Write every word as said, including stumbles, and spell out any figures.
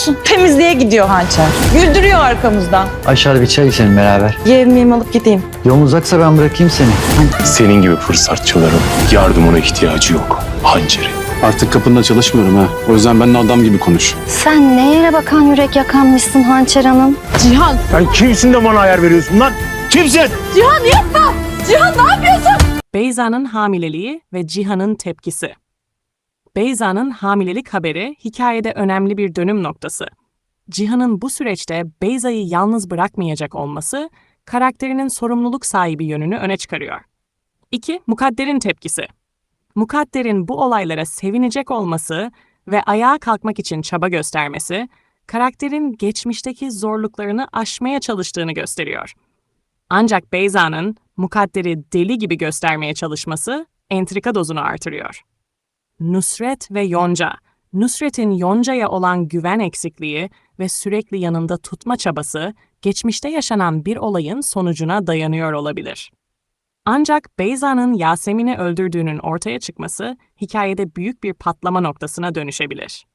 olsun. Temizliğe gidiyor Hançer. Güldürüyor arkamızdan. Aşağıda bir çay içelim beraber. Yemeğimi alıp gideyim. Yolun uzaksa ben bırakayım seni. Senin gibi fırsatçıların yardımına ihtiyacı yok. Hançeri. Artık kapında çalışmıyorum ha. O yüzden benimle adam gibi konuş. Sen ne yere bakan yürek yakanmışsın Hançer Hanım? Cihan. Sen kimsin de bana ayar veriyorsun lan? Kimsin? Cihan yapma. Cihan ne yapıyorsun? Beyza'nın hamileliği ve Cihan'ın tepkisi. Beyza'nın hamilelik haberi hikayede önemli bir dönüm noktası. Cihan'ın bu süreçte Beyza'yı yalnız bırakmayacak olması, karakterinin sorumluluk sahibi yönünü öne çıkarıyor. İki. Mukadder'in tepkisi. Mukadder'in bu olaylara sevinecek olması ve ayağa kalkmak için çaba göstermesi, karakterin geçmişteki zorluklarını aşmaya çalıştığını gösteriyor. Ancak Beyza'nın Mukadder'i deli gibi göstermeye çalışması entrika dozunu artırıyor. Nusret ve Yonca. Nusret'in Yonca'ya olan güven eksikliği ve sürekli yanında tutma çabası, geçmişte yaşanan bir olayın sonucuna dayanıyor olabilir. Ancak Beyza'nın Yasemin'i öldürdüğünün ortaya çıkması, hikayede büyük bir patlama noktasına dönüşebilir.